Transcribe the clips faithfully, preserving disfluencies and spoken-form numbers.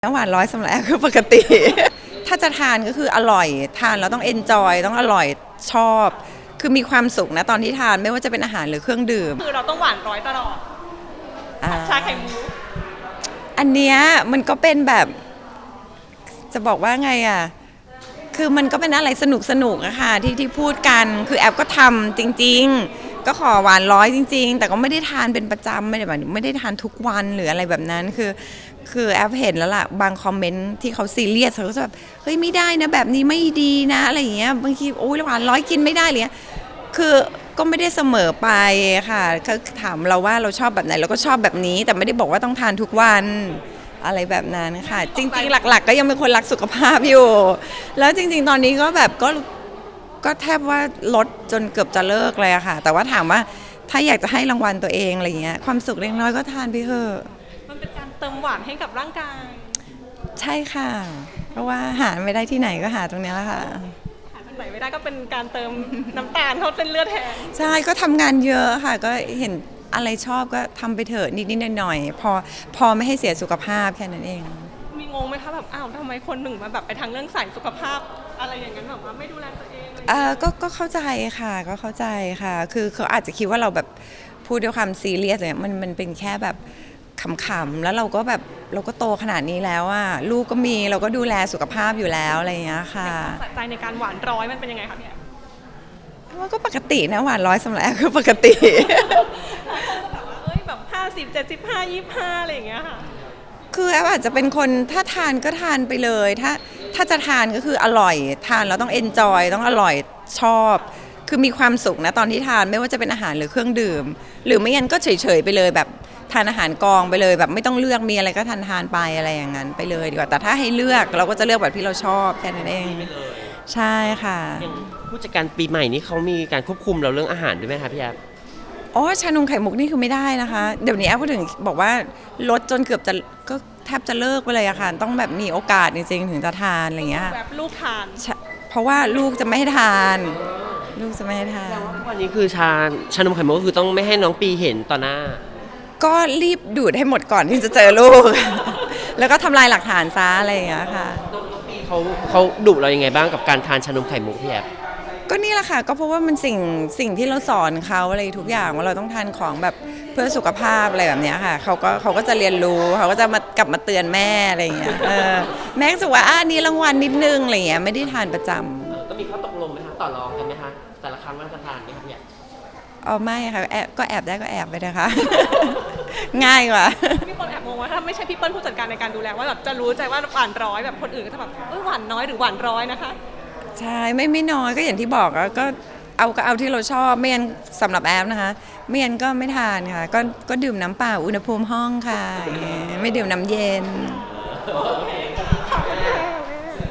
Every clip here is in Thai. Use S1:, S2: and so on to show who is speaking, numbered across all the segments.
S1: น้ำหวานร้อยสำหรับแอฟคือปกติ ถ้าจะทานก็คืออร่อยทานแล้วต้องเอนจอยต้องอร่อยชอบ คือมีความสุขนะตอนที่ทานไม่ว่าจะเป็นอาหารหรือเครื่องดื่ม
S2: คือเราต้องหวานร้อยตลอดชาไข่มุก
S1: อันเนี้ยมันก็เป็นแบบจะบอกว่าไงอ่ะคือมันก็เป็นอะไรสนุกสนุกอะค่ะที่ที่พูดกันคือแอฟก็ทำจริงๆก็ขอหวานร้อยจริงๆแต่ก็ไม่ได้ทานเป็นประจำไม่ได้แบบไม่ได้ทานทุกวันหรืออะไรแบบนั้นคือคือแอฟเห็นแล้วล่ะบางคอมเมนต์ที่เขาซีเรียสเขาก็จะแบบเฮ้ยไม่ได้นะแบบนี้ไม่ดีนะอะไรอย่างเงี้ยบางทีโอ้ยหวานร้อยกินไม่ได้เลยคือก็ไม่ได้เสมอไปค่ะเขาถามเราว่าเราชอบแบบไหนเราก็ชอบแบบนี้แต่ไม่ได้บอกว่าต้องทานทุกวันอะไรแบบนั้นค่ะจริงๆหลักๆก็ยังเป็นคนรักสุขภาพอยู่แล้วจริงๆตอนนี้ก็แบบก็ก็แทบว่าลดจนเกือบจะเลิกเลยอะค่ะแต่ว่าถามว่าถ้าอยากจะให้รางวัลตัวเองอะไรเงี้ยความสุขเล็กน้อยก็ทานไปเถอะ
S2: มันเป็นการเติมหวานให้กับร่างกาย
S1: ใช่ค่ะเพราะว่าหาไม่ได้ที่ไหนก็หาตรงนี้แหละค่ะ
S2: หาจากไหนไม่ได้ก็เป็นการเติมน้ำตาลเข้าเส้นเลือดแทน
S1: ใช่ก็ทำงานเยอะค่ะก็เห็นอะไรชอบก็ทำไปเถอะนิดๆหน่อยๆพอพอไม่ให้เสียสุขภาพแค่นั้นเอง
S2: มีงงไหมคะแบบอ้าวทำไมคนหนึ่งมาแบบไปทางเรื่องสายสุขภาพอะไรอย่างนั้นแบบว่าไม่ดูแลตัวเองเลย
S1: เออก็ก็เข้าใจค่ะก็เข้าใจค่ะคือเขาอาจจะคิดว่าเราแบบพูดด้วยความซีเรียสเนี่ยมันมันเป็นแค่แบบขำๆแล้วเราก็แบบเราก็โตขนาดนี้แล้วอ่ะลูกก็มีเราก็ดูแลสุขภาพอยู่แล้วอะไรอย่างเงี้ยค่ะ
S2: สะใจในการหวานร้อยมันเป็นยังไงคะเนี่ย
S1: ว่าก็ปกตินะหวานร้อยสำหรับแอฟคือปกติ
S2: แบบว่าเอ้ยแบบห้าสิบเจ็ดสิบห้ายี่ห้าอะไรอย่างเงี้ยค่ะ
S1: คือแอฟอาจจะเป็นคนถ้าทานก็ทานไปเลยถ้าถ้าจะทานก็คืออร่อยทานแล้วต้องเอนจอยต้องอร่อยชอบ คือมีความสุขนะตอนที่ทานไม่ว่าจะเป็นอาหารหรือเครื่องดื่ม หรือไม่งั้นก็เฉยๆไปเลยแบบทานอาหารกองไปเลยแบบไม่ต้องเลือกมีอะไรก็ทานทานไปอะไรอย่างนั้นไปเลยดีกว่าแต่ถ้าให้เลือกเราก็จะเลือกแบบที่เราชอบแค่นั้นเองใช่ค่ะ
S3: ผู้จัดการปีใหม่นี้เขามีการควบคุมเราเรื่องอาหารด้วยไหมคะพี่แอฟ
S1: อ๋อชานมไข่มุกนี่คือไม่ได้นะคะเดี๋ยวนี้แอฟก็ถึงบอกว่าลดจนเกือบจะก็แทบจะเลิกไปเลยอะค่ะต้องแบบมีโอกาสจริงๆถึงจะทานอะไรอย่างเงี้ย
S2: แบบลูกทาน
S1: เพราะว่าลูกจะไม่ให้ทานลูกจะไม่ให้ทาน
S3: ทุกวันนี้คือชาชานมไข่มุกก็คือต้องไม่ให้น้องปีเห็นต่อหน้า
S1: ก็รีบดูดให้หมดก่อนที่จะเจอลูก แล้วก็ทำลายหลักฐานซะอะไรอย่างเงี้ยค่ะ
S3: น้องปีเขาเขาดุเรายังไงบ้างกับการทานชานมไข่มุกพี่แอฟ
S1: ก็นี่แหละค่ะก็เพราะว่ามันสิ่งสิ่งที่เราสอนเขาอะไรทุกอย่างว่าเราต้องทานของแบบเพื่อสุขภาพอะไรแบบนี้ค่ะเขาก็เขาก็จะเรียนรู้เขาก็จะมากลับมาเตือนแม่อะไรอย่างเงี้ยแม่ก็จะว่าอ่านี่รางวัลนิดนึงอะไรอย่างเงี้ยไม่ได้ทานประจำ
S3: ก็มีข้อตกลงไหมคะต่อรองกันไหมคะแต่ละครั้งว่าจะทานไหมคะพี่แอฟ
S1: อ๋อไม่ค่ะแอบก็แอบได้ก็แอบไปนะคะ ง่ายกว่า
S2: มีคนแอบงงว่าถ้าไม่ใช่พี่เปิ้ลผู้จัดการในการดูแลว่าแบบจะรู้ใจว่าหวานร้อยแบบคนอื่นก็จะแบบเออหวานน้อยหรือหวานร้อยนะคะ
S1: ใช่ไม่ไม่น้อยก็อย่างที่บอกก็เอาก็เอาที่เราชอบไม่งั้นสำหรับแอฟนะคะไม่งั้นก็ไม่ทานค่ะก็ก็ดื่มน้ำเปล่าอุณหภูมิห้องค่ะไม่ดื่มน้ำเย็น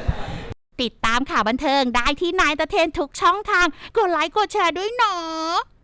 S4: ติดตามข่าวบันเทิงได้ที่นายตะเทนทุกช่องทางกดไลค์กดแชร์ด้วยเนาะ